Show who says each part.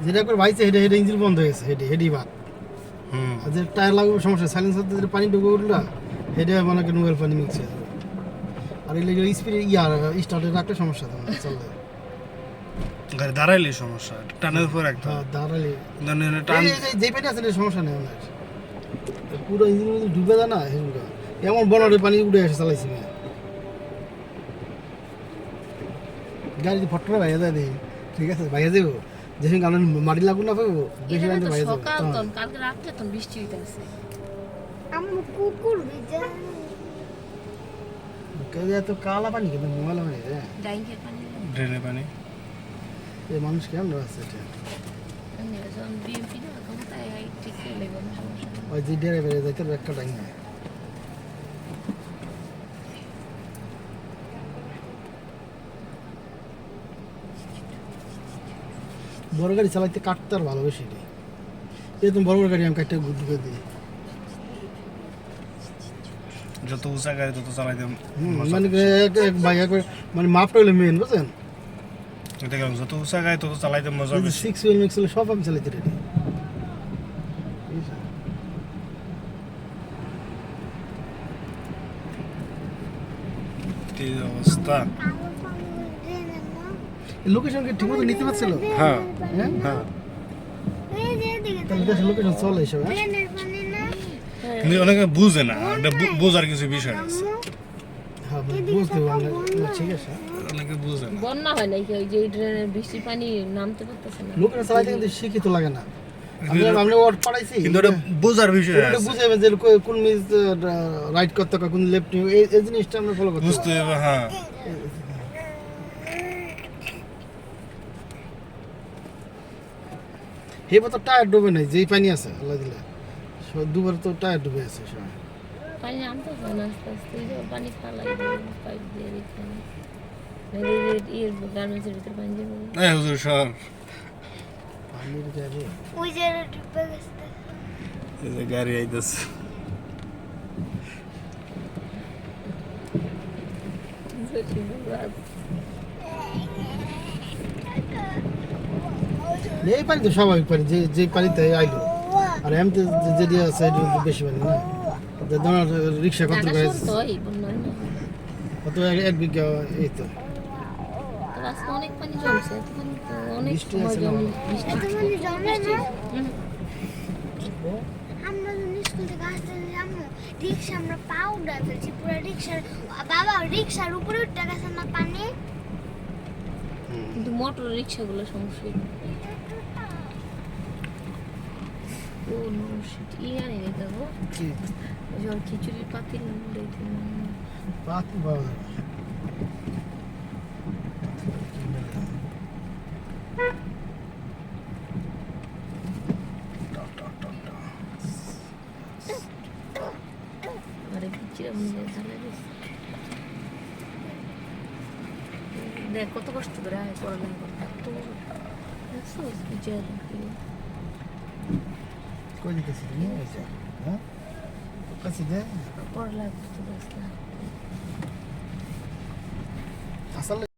Speaker 1: যেটা করে ভাইছে হেডে হেডে ইঞ্জিন বন্ধ হয়ে গেছে, হেডি বাদ। আর যে টায়ার লাগবে সমস্যা, সাইলেন্সার দিয়ে পানি ঢুকে উঠলো হেডে মনে করেন নোয়েল পানি মিক্স হয়ে যাবে। আর এই লেগে স্পিড স্টার্টে রাখলে সমস্যা তো না, চলবে।
Speaker 2: গাড়ি দাঁড়াইলে সমস্যা, টানের উপর একটা
Speaker 1: দাঁড়ালে
Speaker 2: টান
Speaker 1: যে পানি আছে সমস্যা নেই ওনার, পুরো ইঞ্জিনের মধ্যে ঢুকে যায় না হেডুকা, এমন বনরে পানি উঠে এসে চালাইছি না গাড়ি ফটরে ভাইয়া যায় দেখি, ঠিক আছে ভাইয়া যাবো যেসব গানের মাটি লাগুন না পাবো বেশি গাড়ি ভাইয়া যাবো।
Speaker 3: সকাল তখন কালকে রাত্রে তখন বৃষ্টি হইতেছে।
Speaker 4: আমার কুকুর ভিজে
Speaker 1: তো কালা পানি কিন্তু মোবাইল পানি রে,
Speaker 3: ডাইংকের পানি
Speaker 2: ড্রেনে পানি।
Speaker 1: এই মানুষ কেমন আছে এটা,
Speaker 3: যখন বিএমপি না ক্ষমতায় ঠিক লাগবে না, সমস্যা নেই।
Speaker 1: ওই যে ড্রাইভারে যাইতে একটা ডাইং না বড় গাড়ি চালাইতে কাটতে আর ভালোবেসি রে, এই তুমি বড় বড় গাড়ি আমি কাটতে ঢুকে দিই।
Speaker 2: যত উঁচা গাড়ি তত চালাইতে
Speaker 1: মানে এক ভাই মানে মাপটা হলে মেন বুঝছেন,
Speaker 2: দেখলাম যত উঁচা গাড়ি তত চালাইতে মজা বেশি।
Speaker 1: 6 হুইল মিক্স হলে সব আমি চালাইতে রেডি।
Speaker 2: এই অবস্থা।
Speaker 1: লোকেশন কি ঠিকমতো নিতে পারছিল?
Speaker 2: হ্যাঁ
Speaker 1: হ্যাঁ
Speaker 2: হ্যাঁ,
Speaker 1: তাহলে দেশের লোকেশন চলে এসব।
Speaker 4: ট্রেনের পানি না
Speaker 2: কিন্তু অনেকে বুঝে না, এটা বোঝার কিছু বিষয় আছে,
Speaker 1: হ্যাঁ বুঝতে পারলে ঠিক আছে।
Speaker 2: অনেকে বুঝে না।
Speaker 3: বন্যা হয় নাকি ওই যে ড্রেনের বৃষ্টির পানি নামতে পারতেছে না?
Speaker 1: লোকেশন চালাইতে কিন্তু শিক্ষিত লাগে না, আমি ওর পড়াইছি
Speaker 2: কিন্তু ওটা বোঝার বিষয়
Speaker 1: ওটা
Speaker 2: আছে,
Speaker 1: বুঝে যে কোন মিস রাইট করতে হবে, কোন লেফট নিউ, এই জিনিসটা আমরা ফলো করতে
Speaker 2: বুঝতে হবে। হ্যাঁ,
Speaker 1: এবার তো টায়ার ডুবে নাই, যেই পানি আছে আল্লাহ দিলে দুবার তো টায়ার ডুবে আছে সব।
Speaker 3: পানি নামতেছে না আস্তে আস্তে, এই যে পানি ফালাই পাইপ দিয়ে এখানে ইয়ের গার্মেন্টসের ভিতরে পানি যাবে।
Speaker 2: এই হুজুর সর,
Speaker 1: পানির গাড়ি
Speaker 4: ওই যে ডুবে গেছে
Speaker 2: এই যে গাড়ি আইতাছে।
Speaker 1: এই পানি তো স্বাভাবিক পানি, যে পানিতে আইলো। আর এমনি যেটি আছে এটা তো বেশি পানি না, তোমার রিক্সা কত করে কত 1 বিঘা, এই তো
Speaker 3: আজকে অনেক পানি জমছে, তখন তো অনেক
Speaker 1: বৃষ্টি
Speaker 3: সময়
Speaker 1: আছে না
Speaker 3: জমে
Speaker 1: অনেক।
Speaker 3: বৃষ্টি
Speaker 4: এত পানি জমে না।
Speaker 3: হুম।
Speaker 4: আমরা যখন স্কুল থেকে আসতে আমরা রিক্সা আমরা পাউডার ফেলছি পুরো রিক্সার, বাবা রিক্সার উপরে উঠে গেছে না পানি।
Speaker 3: কিন্তু মোটর রিক্সাগুলো সমস্যা। ও নো শিট, ইয়ানি রে দেবো
Speaker 1: কি
Speaker 3: ওই যে ওর খিচুড়ির পাতিল দেখি
Speaker 1: পাতি বাবা
Speaker 3: আরে খিচুড়ি মনে ঝালে দিচ্ছে। দেখ কত কষ্ট করে আয় পড়ালেখা করতে, তো দেখছো খিচুড়ি
Speaker 1: কই দিতেছি তুমি হ্যাঁ কাছে দে
Speaker 3: পড়ালেখা করতে দেখলাম।
Speaker 1: আসলে